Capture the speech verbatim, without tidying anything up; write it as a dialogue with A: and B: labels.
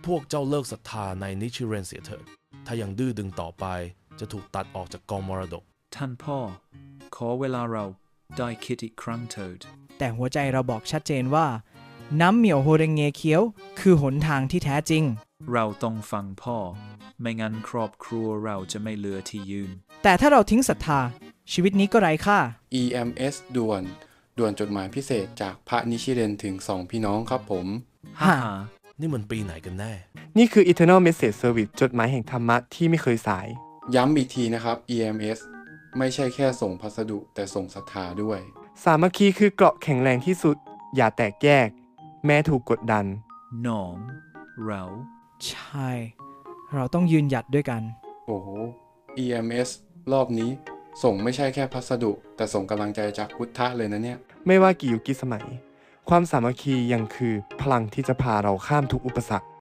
A: พวกเจ้าเลิกศรัทธาในนิชิเรนเสียเถิดถ้ายังดื้อดึงต่อไปจะถูกตัดออกจากกองมรดก
B: ท่านพ่อขอเวลาเราได้คิดอีกครั้งเถิด
C: แต่หัวใจเราบอกชัดเจนว่าน้ำเหมียวโฮเรงเงเคียวคือหนทางที่แท้จริง
B: เราต้องฟังพ่อไม่งั้นครอบครัวเราจะไม่เหลือที่ยืน
C: แต่ถ้าเราทิ้งศรัทธาชีวิตนี้ก็ไร้ค่า
D: อี เอ็ม เอส ด่วนด่วนจดหมายพิเศษจากพระนิชิเรนถึงสองพี่น้องครับผม
B: ฮ่า
A: นี่มันปีไหนกันแน่
E: นี่คือ Eternal Message Service จดหมายแห่งธรรมะที่ไม่เคยสาย
D: ย้ำอีกทีนะครับ อี เอ็ม เอส ไม่ใช่แค่ส่งพัสดุแต่ส่งศรัทธาด้วย
E: สามัคคีคือเกราะแข็งแรงที่สุดอย่าแตกแยกแม้ถูกกดดัน
B: น้องเรา
C: ใช่เราต้องยืนหยัดด้วยกัน
D: โอ้โห อี เอ็ม เอส รอบนี้ส่งไม่ใช่แค่พัสดุแต่ส่งกำลังใจจากพุทธะเลยนะเนี่ย
E: ไม่ว่ากี่ยุคกี่สมัยความสามัคคียังคือพลังที่จะพาเราข้ามทุกอุปสรรค